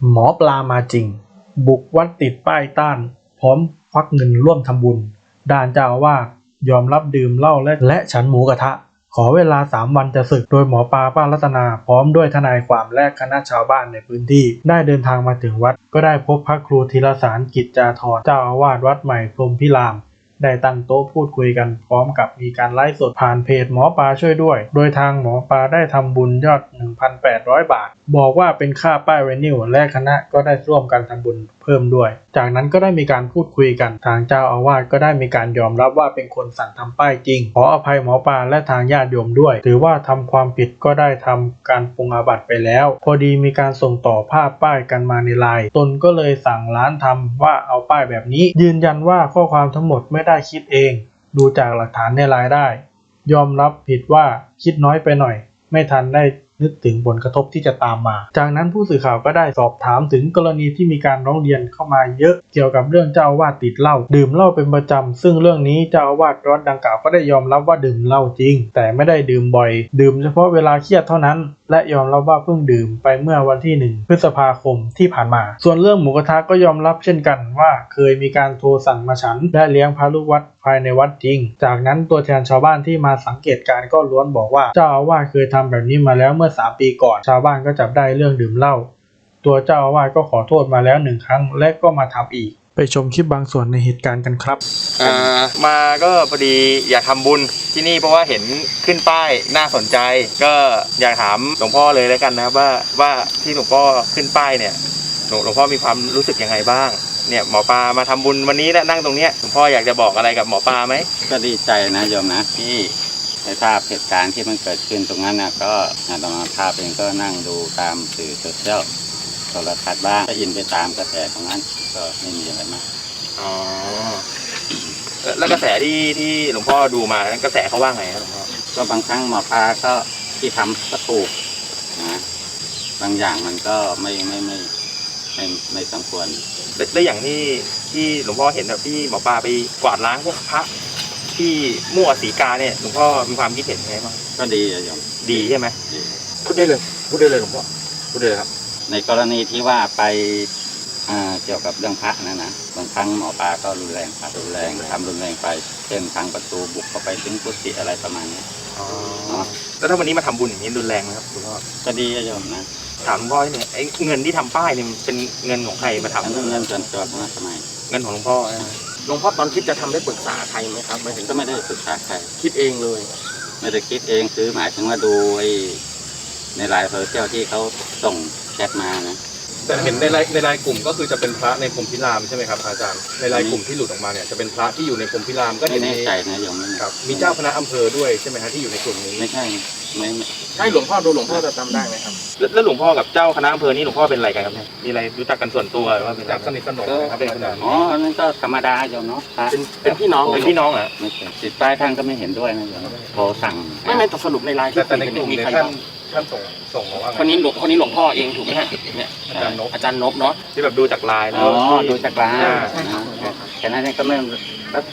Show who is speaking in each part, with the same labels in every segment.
Speaker 1: หมอปลามาจริงบุกวัดติดป้ายต้านพร้อมควักเงินร่วมทำบุญด้านเจ้าอาวาสยอมรับดื่มเหล้าและฉันหมูกระทะขอเวลา3 วันจะสึกโดยหมอปลาป้ารัตนาพร้อมด้วยทนายความและคณะชาวบ้านในพื้นที่ได้เดินทางมาถึงวัดก็ได้พบพระครูธีรสารกิจจาธรเจ้าอาวาสวัดใหม่พรหมพิรามได้ตั้งโต๊ะพูดคุยกันพร้อมกับมีการไลฟ์สดผ่านเพจหมอปลาช่วยด้วยโดยทางหมอปลาได้ทำบุญยอด 1,800 บาทบอกว่าเป็นค่าป้ายไวนิลและคณะก็ได้ร่วมกันทำบุญเพิ่มด้วยจากนั้นก็ได้มีการพูดคุยกันทางเจ้าอาวาสก็ได้มีการยอมรับว่าเป็นคนสั่งทำป้ายจริงขออภัยหมอปลาและทางญาติโยมด้วยถือว่าทำความผิดก็ได้ทำการปรงอาบัติไปแล้วพอดีมีการส่งต่อภาพป้ายกันมาในไลน์ตนก็เลยสั่งร้านทำว่าเอาป้ายแบบนี้ยืนยันว่าข้อความทั้งหมดไม่ได้คิดเองดูจากหลักฐานในไลน์ได้ยอมรับผิดว่าคิดน้อยไปหน่อยไม่ทันได้นึกถึงผลกระทบที่จะตามมาจากนั้นผู้สื่อข่าวก็ได้สอบถามถึงกรณีที่มีการร้องเรียนเข้ามาเยอะเกี่ยวกับเรื่องเจ้าอาวาสติดเหล้าดื่มเหล้าเป็นประจำซึ่งเรื่องนี้เจ้าอาวาสวัดดังกล่าวก็ได้ยอมรับว่าดื่มเหล้าจริงแต่ไม่ได้ดื่มบ่อยดื่มเฉพาะเวลาเครียดเท่านั้นและยอมรับว่าเพิ่งดื่มไปเมื่อวันที่1 พฤษภาคมที่ผ่านมาส่วนเรื่องหมูกระทะก็ยอมรับเช่นกันว่าเคยมีการโทรสั่งมาฉันและเลี้ยงพระลูกวัดภายในวัดจริงจากนั้นตัวแทนชาวบ้านที่มาสังเกตการณ์ก็ล้วนบอกว่าเจ้าอาวาสเคยทำแบบนี้มาแล้วเมื่อ3 ปีก่อนชาวบ้านก็จับได้เรื่องดื่มเหล้าตัวเจ้าอาวาสก็ขอโทษมาแล้ว1 ครั้งและก็มาทำอีกไปชมคลิปบางส่วนในเหตุการณ์กันครับ
Speaker 2: มาก็พอดีอยากทำบุญที่นี่เพราะว่าเห็นขึ้นป้ายน่าสนใจก็อยากถามหลวงพ่อเลยแล้วกันนะครับว่าที่หลวงพ่อขึ้นป้ายเนี่ยหลวงพ่อมีความรู้สึกยังไงบ้างเนี่ยหมอปลามาทำบุญวันนี้และนั่งตรงเนี้ยหลวงพ่ออยากจะบอกอะไรกับหมอปลาไหม
Speaker 3: ก็ดีใจนะโยมนะที่ได้ทราบเหตุการณ์ที่มันเกิดขึ้นตรงนั้นนะก็อาตมาภาพเองก็นั่งดูตามสื่อโซเชียลโทรทัศน์บ้างก็อินไปตามกระแสตรงนั้นก็ไม่มีอะไรมาก
Speaker 2: อ๋อแล้วกระแสที่หลวงพ่อดูมากระแสเขาว่าไงครับหลวงพ่อ
Speaker 3: ก็บางครั้งหมอปลาก็ที่ทำก็ถูกนะบางอย่างมันก็ไม่สมควร
Speaker 2: และอย่างที่หลวงพ่อเห็นแบบที่หมอปลาไปกวาดล้างพวกพระที่มั่วสีกาเนี่ยหลวงพ่อมีความคิดเห็นไงบ้าง
Speaker 3: ก็ดีโยม
Speaker 2: ดีใช่ไหม
Speaker 1: พูดได้เลยหลวงพ่อพูดได้เลยครับ
Speaker 3: ในกรณีที่ว่าไปเกี่ยวกับเรื่องพระนะบางครั้งหมอปลาก็รุนแรงทำรุนแรงไปเช่นทางประตูบุกเข้าไปถึงกุฏิอะไรประมาณนี้
Speaker 2: แล้วถ้าวันนี้มาทำบุญอย่างนี้รุนแรงไหมครับหลวงพ่อ
Speaker 3: ก็ดีโยมนะ
Speaker 2: ถามหลวงพ่อเนี่ยไอ้เงินที่ทำป้ายเนี่ยเป็นเงินของใครมาทำ
Speaker 3: เงินส่วนตัวของทำไม
Speaker 2: เงินของหลวงพ่อ
Speaker 1: หลวงพ่อตอนคิดจะทำได้ปรึกษาใครไหมครับ
Speaker 3: ไม่ถึงก็ไม่ได้ปรึกษาใคร
Speaker 1: คิดเองเลย
Speaker 3: ไม่ได้คิดเองคือหมายถึงว่าดูในไลน์โซเชียลที่เขาส่งแชทมานะ
Speaker 1: แต่เห็นในไลน์กลุ่มก็คือจะเป็นพระในพรหมพิรามใช่ไหมครับอาจารย์ในไลน์กลุ่มที่หลุดออกมาเนี่ยจะเป็นพระที่อยู่ในพรหมพิรามก็
Speaker 3: ไม่แน่ใจนะโยม
Speaker 1: ครับมีเจ้าคณะอำเภอด้วยใช่ไหมฮะที่อยู่ในกลุ่มนี้
Speaker 3: ไม่ใช่ไม่
Speaker 1: ใช่หลวงพ่อดูหลวงพ่อจะจำได้ไหมครับ
Speaker 2: แล้วหลวงพ่อกับเจ้าคณะอำเภอนี่หลวงพ่อเป็นอะไรกันครับเนี่ยมีอะไรรู้จักกันส่วนตัวหรือว่าเป็น
Speaker 1: สนิทสนมครับ
Speaker 3: เป็นอ๋อนั่นก็ธรรมดาโยมเนาะ
Speaker 1: เป็นพี่น้อง
Speaker 2: เหรอ
Speaker 3: ไม่ใช่ติดป้ายท่านก็ไม่เห็นด้วยนะโยมโทรสั่ง
Speaker 1: ไม่สรุปในไลน์แต่ในกลุ่มมีใครบ้างท่านส่งมาว่า
Speaker 2: คนนี้หลวงพ่อเองถูกไหมฮะเนี่ยอาจารย์นพเนาะที่แบบดูจากไลน์
Speaker 3: แล้วดูจากไลน์แค่นั้นก็ไม่แล้ว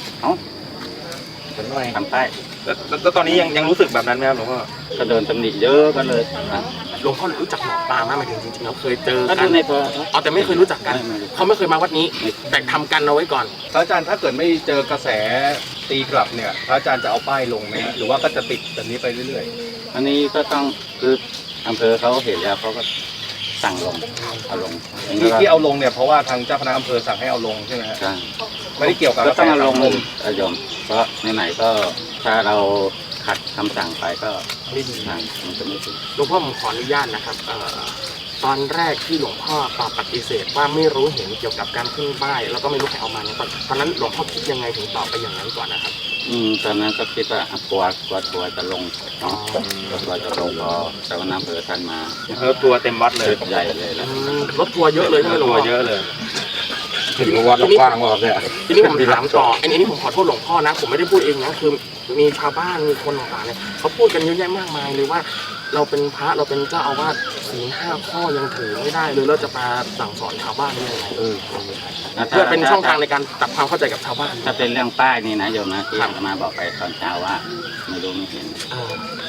Speaker 3: ทำป้าย
Speaker 2: แล้วตอนนี้ยังรู้สึกแบบนั้นไหมครับหลวงพ่อ
Speaker 3: ก็เดินตำหนิเยอะกันเลย
Speaker 1: หลวงพ่อรู้จักหมอปลาไหมหมายถึงจริงๆเราเคยเจอ
Speaker 3: กั
Speaker 1: น
Speaker 3: ในตัว
Speaker 1: แต่ไม่เคยรู้จักกันเขาไม่เคยมาวัดนี้แต่ทำกันเอาไว้ก่อนพระอาจารย์ถ้าเกิดไม่เจอกระแสตีกลับเนี่ยพระอาจารย์จะเอาป้ายลงไหมหรือว่าก็จะติดแบบนี้ไปเรื่อย
Speaker 3: ๆอันนี้ก็ต้องคืออำเภอเขาเห็นแล้วเขาก็สั่งลงเอาลง
Speaker 1: ที่เอาลงเนี่ยเพราะว่าทางเจ้าคณะอำเภอสั่งให้เอาลงใช่ไหมครับไม่ได้เกี่ยวกับ
Speaker 3: ก็ต้องเอาลงโยมเพราะไหนๆก็ถ้าเราขัดคำสั่งไปก็
Speaker 1: ไม่ดี
Speaker 3: มันจะไม่ถูก
Speaker 1: หลวงพ่อผมขออนุญาตนะครับตอนแรกที่หลวงพ่อตอบปฏิเสธว่าไม่รู้เห็นเกี่ยวกับการขึ้นป้ายแล้วก็ไม่รู้ใครเอามาเนี่ยตอนนั้นหลวงพ่อคิดยังไงถึงตอบไปอย่างนั้นก่อนนะครับ
Speaker 3: ตอนนั้นก็คิดว่ากลัวทัวร์จะลงเนาะทัวร์จะลงพอแต่ว่าน้ำเผือท่านมา
Speaker 2: ทัวร์เต็มวัดเลย
Speaker 3: ใหญ่เลยแล้ว
Speaker 1: รถทัวร์เยอะเลยใช่ไหมหลวงพ่อ
Speaker 2: เยอะเลย
Speaker 1: ถึงวัดกว้างมากเลยทีนี้ผมถามต่ออันนี้ผมขอโทษหลวงพ่อนะผมไม่ได้พูดเองนะคือมีชาวบ้านมีคนต่างๆเนี่ยเขาพูดกันเยอะแยะมากมายเลยว่าเราเป็นพระเราเป็นเจ้าอาวาสศีล5 ข้อยังถือไม่ได้เลยเราจะมาสั่งสอนชาวบ้านยังไงเพื่อเป็นช่องทางในการตัดความเข้าใจกับชาวบ้าน
Speaker 3: ถ้าเป็นเรื่องป้ายนี่นะโยมนะที่มาบอกไปตอนเช้าว่าไม่รู้ไม่เห็น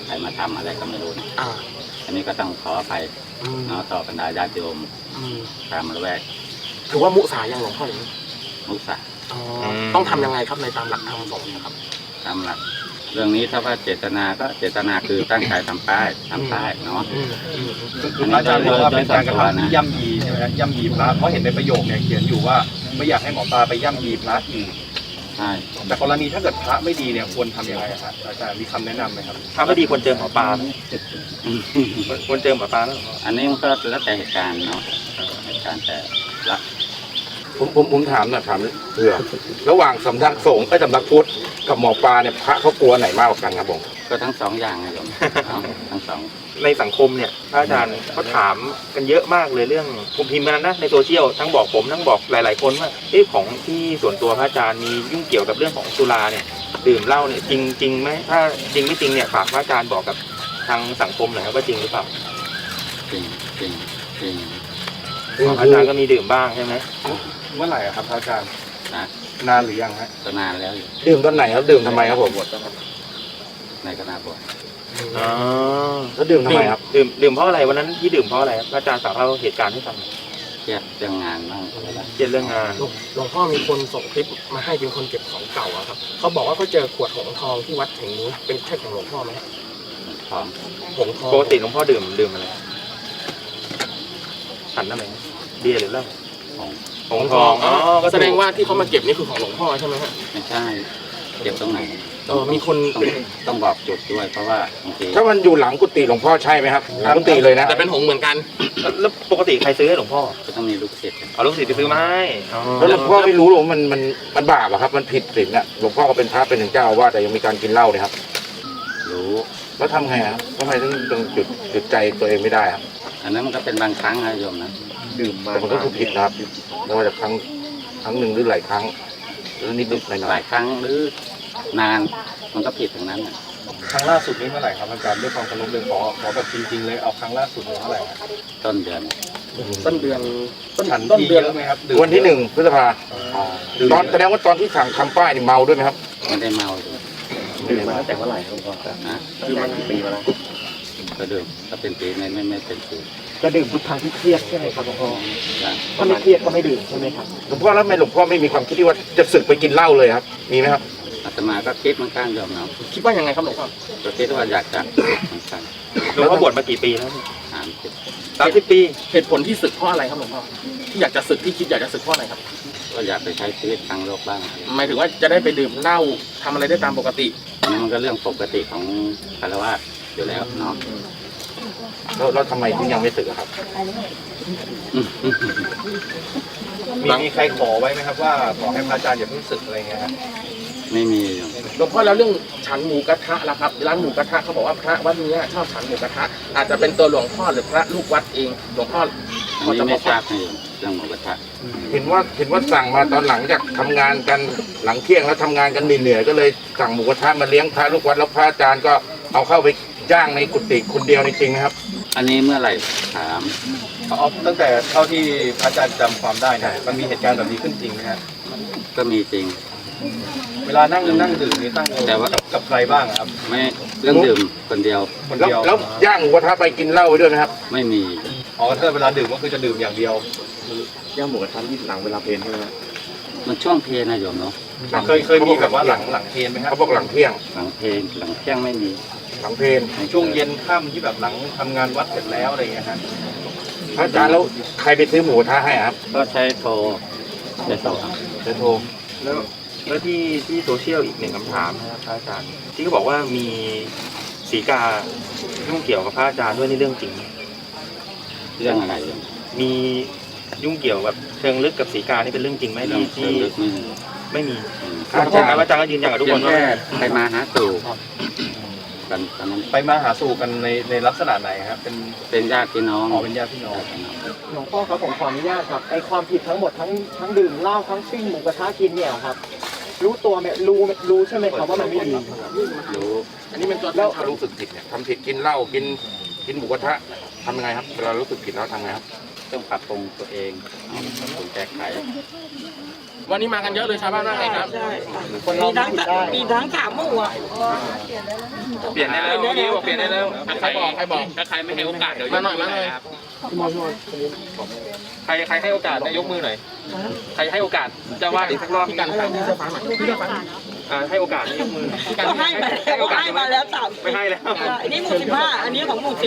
Speaker 3: ใครมาทำอะไรก็ไม่รู้นะ
Speaker 4: อ่า
Speaker 3: อันนี้ก็ต้องขออภัย
Speaker 4: อืม
Speaker 3: เนาะต่อบรรดาญาติโยม
Speaker 4: อืม
Speaker 3: ตามละแวก
Speaker 4: ถือว่ามุสายังหลวงพ่ออย่างนี้
Speaker 3: มุสา
Speaker 4: อ๋อต้องทำยังไงครับในตามหลักธรรมสงฆ์นะครับ
Speaker 3: ตามหลักเรื่องนี้ถ้าว่าเจตนาก็เจตนาคือตั้งใจทำป้ายเนาะ
Speaker 4: อืมอืม
Speaker 5: คือพระอาจารย์บอกว่าเป็นการกระทำที่ย่ำยีใช่ไหมครับย่ำยีพระเพราะเห็นในประโยคเนี่ยเขียนอยู่ว่าไม่อยากให้หมอปลาไปย่ำยีพระอีก
Speaker 3: ใช่
Speaker 5: แต่กรณีถ้าเกิดพระไม่ดีเนี่ยควรทำยังไงครับอาจารย์มีคำแนะนำไหมครับ
Speaker 2: ถ้าไม่ดีควรเจอหมอปลาไหมควรเจอหมอปลาแล้วเหรอ
Speaker 3: อันนี้มันก็แล้วแต่เหตุการณ์เนาะเหตุการณ์แต่ละ
Speaker 6: ผมถามหน่อยถามเผื่อระหว่างสำนักสงฆ์สำนักพุทธกับหมอปลาเนี่ยพระเขากลัวไหนมากกว่ากันครับผม
Speaker 3: ก็ทั้งสองอย่างนะโยมเนาะทั้งสอง
Speaker 2: ในสังคมเนี่ยพระอาจารย์เขาถามกันเยอะมากเลยเรื่องผมพิมพ์กันนะในโซเชียลทั้งบอกผมทั้งบอกหลาย ๆ คนว่าของที่ส่วนตัวพระอาจารย์มียุ่งเกี่ยวกับเรื่องของสุราเนี่ยดื่มเหล้าเนี่ยจริงไหมถ้าจริงไม่จริงเนี่ยฝากพระอาจารย์บอกกับทางสังคมหน่อยครับว่าจริงหรือเปล่า
Speaker 3: จริงจริงจริง
Speaker 2: พระอาจารย์ก็มีดื่มบ้างใช่ไหม
Speaker 5: เมื่อไหร่อะครับพระอาจารย์
Speaker 3: นะ
Speaker 5: นานหรือยังฮะ
Speaker 3: ก็นานแล้วอยู่
Speaker 6: ดื่มตอนไหนครับดื่มทำไมครับผม
Speaker 3: ในคณะบวช
Speaker 2: อ๋อ
Speaker 6: แล้วดื่มทำไมครับ
Speaker 2: ดื่มเพราะอะไรวันนั้นที่ดื่มเพราะอะไรครับพระอาจารย์สาวเล่าเหตุการณ์ให้ฟังหน่อย
Speaker 3: เครียดเรื่องงานบ้างอะไรบ้าง
Speaker 2: เครียดเรื่องงาน
Speaker 4: หลวงพ่อมีคนส่งคลิปมาให้เป็นคนเก็บของเก่าอะครับเขาบอกว่าเขาเจอขวดหงส์ทองที่วัดแห่งนี้เป็นใช่ของหลวงพ่อไหมครับ
Speaker 3: พร้อม
Speaker 4: หงส์ทอง
Speaker 2: ปกติหลวงพ่อดื่มอะไรฉันนั่นเองเบียร์หรือเหล้า
Speaker 3: ของ
Speaker 2: หงส์ทองอ๋อก็
Speaker 4: แสดงว่าที่เขามาเก็บนี่คือของหลวงพ่อใช่ไหมฮะ
Speaker 3: ไม่ใช่เก็บตรงไหน
Speaker 4: มีคน
Speaker 3: ต้องบอกจุดด้วยเพราะว่าบางที
Speaker 6: ถ้ามันอยู่หลังกุฏิหลวงพ่อใช่ไหมครับหลังกุฏิเลยนะ
Speaker 4: แต่เป็นหงส์เหมือนกัน
Speaker 2: แล้วปกติใครซื้อให้หลวงพ่อ
Speaker 3: ก็ต้องมีลูกศิษย์
Speaker 2: เอาลูกศิษย์ไปซื้อมาให้อ๋อ
Speaker 6: แล้วหลวงพ่อไม่รู้หรอกว่ามันบาปอะครับมันผิดศีลอะหลวงพ่อก็เป็นพระเป็นถึงเจ้าอาว่าสแต่ยังมีการกินเหล้าเนี่ยครับ
Speaker 3: รู้
Speaker 6: แล้วทำไงครับทำไมต้องจุดใจตัวเองไม่ได้ครับ
Speaker 3: อันนั้นมันก็เป็นบางครั้งนะโยมนะ
Speaker 5: ดื่มมา
Speaker 6: แต่มันก็คือผิดนะครับไม่ว่าจะครั้งหนึ่งหรือหลายครั้งหรือนิดๆหน่
Speaker 3: ห
Speaker 6: อ
Speaker 3: ลาย ยครั้งหรือนานมันก็ผิดทั้งนั้นน่ะ
Speaker 5: ครั้งล่าสุดนี้เมื่อไหร่ครับอาจารย์ด้วยความเคารพเลยขอแบบจริงๆเลยเอาครั้งล่าสุดเมื่อไหร่ครับ
Speaker 3: ต้นเดือน
Speaker 4: ต้นเดือนต้น
Speaker 5: ฉัน
Speaker 4: ต้น
Speaker 5: ที่
Speaker 4: เดื
Speaker 5: เย
Speaker 4: อน
Speaker 5: อะไหมครับ
Speaker 6: ๆวันที่1 พฤษภาตอนแสดงว่าตอนที่สั่งทำป้ายนี่เมาด้วยไหมครับ
Speaker 3: ไม่ได้เมาเลย
Speaker 5: ดื่มมาตั้งแต่เมื่อไหร่ครับหลวงพ่อ
Speaker 3: นะ
Speaker 5: ดื่มมากี่ปีมาแล้ว
Speaker 3: ก็ดื่มก็เป็นปีไม่เป็นปี
Speaker 4: จะดื่มทุกครั้งที่เครียดใช่ไหมครับหลวงพ่อ
Speaker 3: นะ
Speaker 4: ถ้าไม่เครียดก็ไม่ดื่มใช่ไหมครับ
Speaker 6: หลวงพ่อแล้วทำไมหลวงพ่อไม่มีความคิดที่ว่าจะศึกไปกินเหล้าเลยครับ มีไหมครับ
Speaker 3: อาตมาก็คิดเหมือนกันโยมเนาะ
Speaker 4: คิดว่ายังไงครับหลวงพ่อ
Speaker 3: ก็คิดว่าอยากจะเหมือนกัน
Speaker 2: หลวงพ่อบวชมากี่ปีแล้ว
Speaker 3: 30
Speaker 2: 30 ปี
Speaker 4: เหตุผลที่สึกเพราะอะไรครับหลวงพ่อที่อยากจะสึกที่คิดอยากจะสึกเพราะอะไรครับ
Speaker 3: ก็อยากไปใช้ชีวิตทางโลกบ้าง
Speaker 4: หมายถึงว่าจะได้ไปดื่มเหล้าทำอะไรได้ตามปกติ
Speaker 3: อันนี้มันก็เรื่องปกติของคารวะอยู่แล้วเนาะ
Speaker 6: แล้วทำไมถึงยังไม่ศึกอะครับ
Speaker 5: มีใครขอไว้ไหมครับว่าขอให้พระอาจารย์อย่าเพิ่งศึกอะไรเงี้ยครับ
Speaker 3: ไม่มีโยม
Speaker 4: หลวงพ่อแล้วเรื่องฉันหมูกระทะล่ะครับร้านหมูกระทะเขาบอกว่าพระวัดนี้ชอบฉันหมูกระทะอาจจะเป็นตัวหลวงพ่อหรือพระลูกวัดเองหลวงพ่อ
Speaker 3: อันนี้ไม่ทราบนะโยมเรื่องหมูกระทะ
Speaker 6: เห็นว่าสั่งมาตอนหลังจากทำงานกันหลังเที่ยงแล้วทำงานกันเหนื่อยๆก็เลยสั่งหมูกระทะมาเลี้ยงพระลูกวัดแล้วพระอาจารย์ก็เอาเข้าไปย่างในกุฏิคนเดียวจริงๆนะครับ
Speaker 3: อันนี้เมื่อไหร่ถาม
Speaker 5: เอาตั้งแต่เท่าที่พระอาจารย์จำความได้เนี่ยมันมีเหตุการณ์แบบนี้ขึ้นจริงไหมฮะ
Speaker 3: ก็มีจริง
Speaker 5: เวลานั่งดื่มนี่ตั้ง
Speaker 3: แต่ว่า
Speaker 5: กับใครบ้างอะครับ
Speaker 3: ไม่เรื่องดื่มคนเดียว
Speaker 5: คน
Speaker 6: แล้ว
Speaker 5: เดียว
Speaker 6: แล้วย่างหมูกระทะไปกินเหล้าไปด้วยไหมครับ
Speaker 3: ไม่มี
Speaker 5: อ๋อถ้าเวลาดื่มก็คือจะดื่มอย่างเดียว
Speaker 6: ย่างหมูกระทะที่หลังเวลาเพลนใช่ไหม
Speaker 3: มันช่วงเพลนะโยมเนาะ
Speaker 5: เคยมีแบบว่าหลังเทนไหมครับ
Speaker 6: เขาบอกหลังเที่ยง
Speaker 3: หลังเพลหลังเที่ยงไม่มี
Speaker 6: หลังเพลน
Speaker 5: ช่วงเย็นค่ำที่แบบหลังทำงานวัดเสร็จแล้วอะไรเงี้ยฮะ
Speaker 6: พระอาจารย์แล้วใครไปซื้อหมูกระทะให้อะครับ
Speaker 3: ก็ใช้โทรใช้โทร
Speaker 6: เดี๋ยวโทร
Speaker 2: แล้วที่โซเชียลอีกหนึ่งคำถามนะครับพระอาจารย์ที่เขาบอกว่ามีสีกายุ่งเกี่ยวกับพระอาจารย์ด้วยนี่เรื่องจริงไหม
Speaker 3: เรื่องอะไรโยม
Speaker 2: มียุ่งเกี่ยวกับเชิงลึกกับสีกานี่เป็นเรื่องจริงไหม
Speaker 3: เรื่อง
Speaker 2: ที่
Speaker 3: เชิงลึกไม่มี
Speaker 2: ไม่มี
Speaker 6: พระอาจารย์
Speaker 2: พระอาจารย์ก็ยืนยันกับทุก
Speaker 3: เพี
Speaker 2: ค
Speaker 3: ย
Speaker 2: น
Speaker 3: ง
Speaker 2: ว่า
Speaker 3: แค่ไปมาหาสู่กันตอนนั้น
Speaker 5: ไปมาหาสู่กันในลักษณะไหนครับเป็น
Speaker 3: เป็นญาติพี่น้อง
Speaker 5: อ๋อเป็นญาติพี่น้อง
Speaker 7: หลวงพ่อครับผมขออนุญาตครับไอความผิดทั้งหมดทั้งดื่มเหล้าทั้งปิ้งหมูกระทะกินเนี่ยครับ รู้ตัวไหมรู้ใช่ไหมครับว่ามันไม่ดี
Speaker 3: รู้
Speaker 4: อันนี้เป็นตัว
Speaker 6: แล้วถ้ารู้สึกผิดเนี่ยทำผิดกินเหล้ากินหมูกระทะทำยังไงครับเวลารู้สึกผิดแล้วทำไงครับ
Speaker 3: ต้องปรับปรุงตัวเองปรับปรุงแก้ไข
Speaker 4: วันนี้มากันเยอะเลยชาวบ้านว่าไงครับ
Speaker 8: มีทั้งสามหมู่อ่ะ
Speaker 2: เปลี่ยนได้แล้วเมื่อกี้บอกเปลี่ยนได้แล้ว
Speaker 4: ใครบอก
Speaker 2: ถ้าใครไม่ให้โอกาสเดี๋ยว
Speaker 4: มาหน่อย
Speaker 2: ใครให้โอกาสได้ยกมือหน่อยใครให้โอกาสเจ้าวาดอีกสักรอบ
Speaker 4: พี่กันครับพี่เสื้อฟ้าหน่อยพี่เสื้อฟ้า
Speaker 2: ให้โอกาสยกมือ
Speaker 8: ก็ให้มาแล้วให้มาแล้วสาม
Speaker 2: ไม่ให้แล้ว
Speaker 8: อันนี้หมู่15อันนี้ของหมู่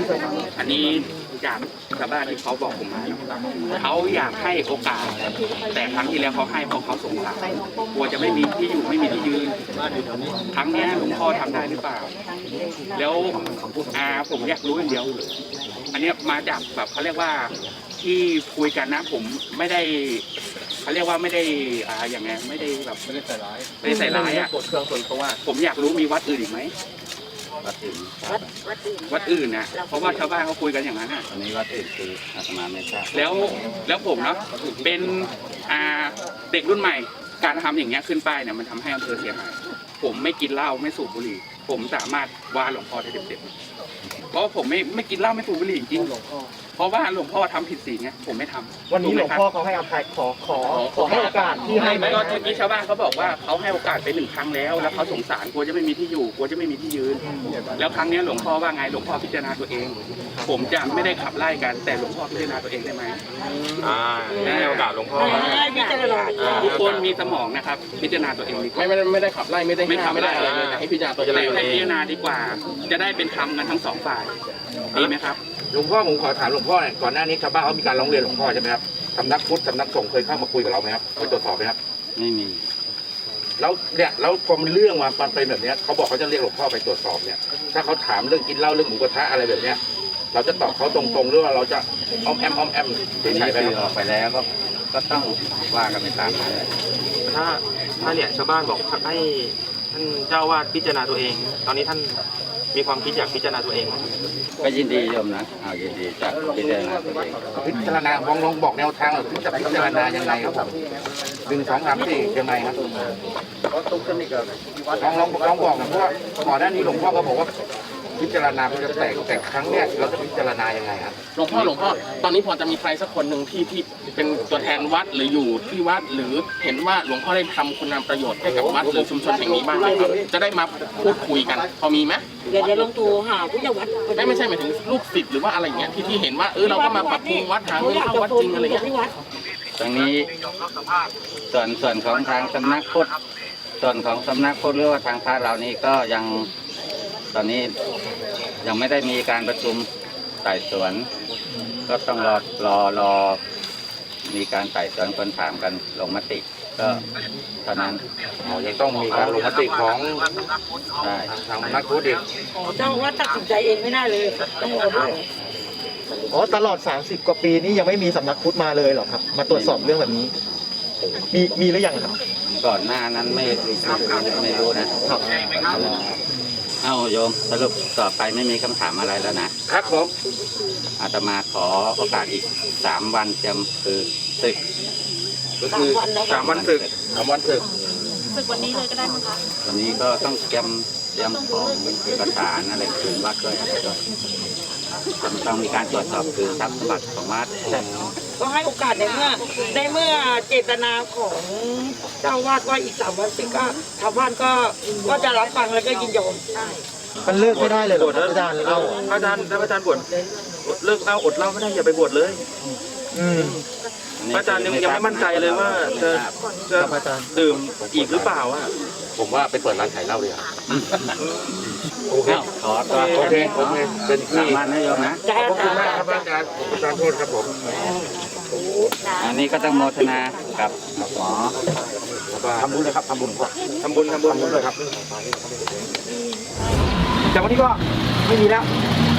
Speaker 8: 15
Speaker 9: อันนี้จากชาวบ้านที่เขาบอกผมมาเขาอยากให้โอกาส แต่ครั้งที่แล้วเขาให้เพราะเขาสงสารกลัวจะไม่มีที่อยู่ไม่มีที่ยืนครั้งเนี้ยหลวงพ่อทำได้หรือเปล่า แล้วผมอยากรู้อย่างเดียว อันเนี้ยมาจากแบบเขาเรียกว่าที่คุยกันนะ ผมไม่ได้เขาเรียกว่าไม่ได้อย่างไงไม่ได้แบบไม่ได้ใส่ร้ายอ่ะ
Speaker 4: กดเครื่องส่วนตัว
Speaker 9: ผมอยากรู้มีวัดอื่นอีกไหม
Speaker 3: วัดอื่น
Speaker 9: วัดอื่นนะเพราะว่าชาวบ้านเขาคุยกันอย่างนั้นอ่ะ
Speaker 3: อันนี้วัดอื่นคืออาตมาไม่ทราบ
Speaker 9: แล้วผมเนาะเป็นเด็กรุ่นใหม่ การทำอย่างเงี้ยขึ้นป้ายเนี่ยมันทำให้อำเภอเสียหายผมไม่กินเหล้าไม่สูบบุหรี่ผมสามารถว่าหลวงพ่อได้เต็มๆเพราะว่าผมไม่กินเหล้าไม่สูบบุหรี่จริงเพราะว่าหลวงพ่อทำผิดศีลไงผมไม่ทำ
Speaker 7: วันนี้หลวงพ่อเขาให้อภัยขอให้โอกาสที่ให้ไหม
Speaker 9: ก็เมื่อกี้ชาวบ้านเขาบอกว่าเขาให้โอกาสไป1 ครั้งแล้วเขาสงสารกลัวจะไม่มีที่อยู่กลัวจะไม่มีที่ยืน แล้วครั้งนี้หลวงพ่อว่าไงหลวงพ่อพิจารณาตัวเอง ผมจะไม่ได้ขับไล่กันแต่หลวงพ่อพิจารณาตัวเองได้ไหม
Speaker 2: ให้โอกาสหลวงพ่อ
Speaker 8: ให้พิจารณา
Speaker 9: ทุกคนมีสมองนะครับ พิจารณาตัวเองดีกว่า
Speaker 4: ไม่ได้ขับไล่ไม่ได้ห้ามไม่ได้อะไรเลยแต่ให้พิจารณาตัวเอง
Speaker 9: แต่ให้พิจารณาดีกว่า จะได้เป็นธรรมกันทั้ง2 ฝ่ายดีไหมครับ
Speaker 6: หลวงพ่อผมขอถามหลวงพ่อหน่อยก่อนหน้านี้ชาวบ้านเขามีการร้องเรียนหลวงพ่อใช่ไหมครับสำนักพุทธสำนักสงฆ์เคยเข้ามาคุยกับเราไหมครับไปตรวจสอบไหมครับ
Speaker 3: ไม่มี
Speaker 6: แล้วเนี่ยแล้วพอมีเรื่องมามันเป็นแบบเนี้ยเขาบอกเขาจะเรียกหลวงพ่อไปตรวจสอบเนี่ยถ้าเขาถามเรื่องกินเหล้าเรื่องหมูกระทะอะไรแบบเนี้ยเราจะตอบเขาตรงๆหรือว่าเราจะอ้อมแอมเฉ
Speaker 3: นี่
Speaker 6: ยๆไป
Speaker 3: คือ
Speaker 6: ค
Speaker 3: อ
Speaker 6: รั
Speaker 3: อบ กไปแล้วก็ต้องว่ากันไปตามนั้น
Speaker 2: ถ้าเนี่ยชาวบ้านบอกให้ท่านเจ้าวาดพิจารณาตัวเอง ตอนนี้ท่านมีความคิดอยากพิจารณาตัวเองไหม
Speaker 3: ก็ยินดีโยมนะเอายินดีจะพิจารณาตัวเอง
Speaker 6: พิจารณาลองบอกแนวทางหน่อยจะพิจารณายังไงครับผม1 2 3 4ยังไงครับลองบอกหน่อยเพราะว่าก่อนหน้านี้หลวงพ่อก็บอกว่าพิจารณาเพื่อจะแต่ครั้งเนี้ยเราจะพิจารณายังไงครับ
Speaker 4: หลวงพ่อตอนนี้พอจะมีใครสักคนหนึ่งที่เป็นตัวแทนวัดหรืออยู่ที่วัดหรือเห็นว่าหลวงพ่อได้ทำคุณงามประโยชน์ให้กับวัดหรือชุมชนแห่งนี้บ้างไหมครับจะได้มาพูดคุยกันพอมีไหม
Speaker 8: เดี๋ยวลองตัวหาผู้ใหญ่วัด
Speaker 4: ไม่ใช่หมายถึงลูกศิษย์หรือว่าอะไรอย่างเงี้ยที่เห็นว่าเราก็มาปรับปรุงวัดหาเงินเข้าวัดจริงอะไรเงี้ย
Speaker 3: ตรงนี้ส่วนของทางสำนักพุทธส่วนของสำนักพุทธหรือว่าทางพระเรานี่ก็ยังตอนนี้ยังไม่ได้มีการประชุมไต่สวน ก็ต้องรอมีการไต่สวนคนถามกันลงมติก็เท่านั้น
Speaker 6: ยังต้องมีการลงมติของ
Speaker 3: ใช่
Speaker 6: ทางนักพุทธอีก
Speaker 8: เจ้าว่าตัดสินใจเองไม่ได้เลยต้องรอด้วย
Speaker 7: อ๋อตลอด30 กว่าปีนี้ยังไม่มีสำนักพุทธมาเลยเหรอครับ มาตรวจสอบเรื่องแบบนี้ มีหรือยังครับ
Speaker 3: ก่อนหน้านั้นไม่รู้นะครับ เอาโยมสรุปต่อไปไม่มีคำถามอะไรแล้วนะครับ
Speaker 6: ผม
Speaker 3: อาตมาขอโอกาสอีก3 วันเตรียมคือศึก
Speaker 6: ก็คือ
Speaker 2: 3 วันศึก
Speaker 6: 3 วันศึก
Speaker 10: ศึกวันนี้เลยก็ได้มั้งคะ
Speaker 3: วันนี้ก็ต้องเตรียมของเอกสารอะไรคืนวัดด้วยอะไรด้วยต้องมีการตรวจสอบคืนทรัพย์สมบัติของวัด
Speaker 8: ก็ให้โอกาสในเมื่อเจตนาของเจ้าวาดว่าอีก3 วันสิก็ชาวบ้านก็จะรับฟังแล้วก็ยินยอม
Speaker 7: มันเลิกไม่ได้เลยเหรอครับอาจารย์เล่า
Speaker 2: อาจารย์ถ้าอาจารย์บวชเลิกเหล้าอดเหล้าไม่ได้อย่าไปบวชเลย อาจารย์ยังไม่มั่นใจเลยว่าจะดื่มอีกหรือเปล่าอ่ะ
Speaker 6: ผมว่าไปเปิดร้านขายเหล้าเลยครับโอเค
Speaker 3: ขอตัว
Speaker 6: โอเคเป็นที่
Speaker 3: 3 วันนะโยมนะ
Speaker 6: ขอบคุณมากครับอาจารย์อาจารย์โทษครับผม
Speaker 3: อันนี้ก็ต้องโมทนากับหมอ
Speaker 6: ทำบุญเลยครับทำบุญ
Speaker 2: ทำบุญ
Speaker 6: เลยครับ
Speaker 11: แต่วันนี้ก็ไม่มีแล้ว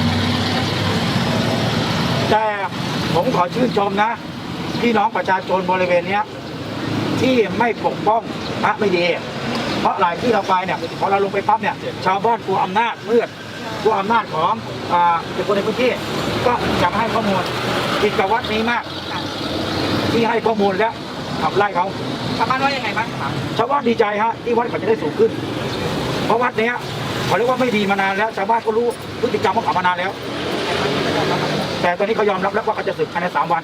Speaker 11: แต่ผมขอชื่นชมนะพี่น้องประชาชนบริเวณเนี้ยที่ไม่ปกป้องพระไม่ดี เพราะหลายที่เราไปเนี่ยพอเราลงไปปั๊บเนี่ยชาวบ้านกลัวอำนาจมืดกลัวอำนาจของเป็นคนในพื้นที่ก็จะมาให้ข้อมูลผิดกับวัดนี้มาก ที่ให้ข้อมูลแล้วขับไล่เขาชาวบ้านว่ายังไงบ้างชาวบ้านดีใจฮะที่วัดเขาจะได้สูงขึ้น เพราะวัดเนี้ยเขาเรียกว่าไม่ดีมานานแล้วชาวบ้านก็รู้พฤติกรรมของเขามานานแล้ว แต่ตอนนี้เขายอมรับแล้วว่าเขาจะสึกภายใน3 วัน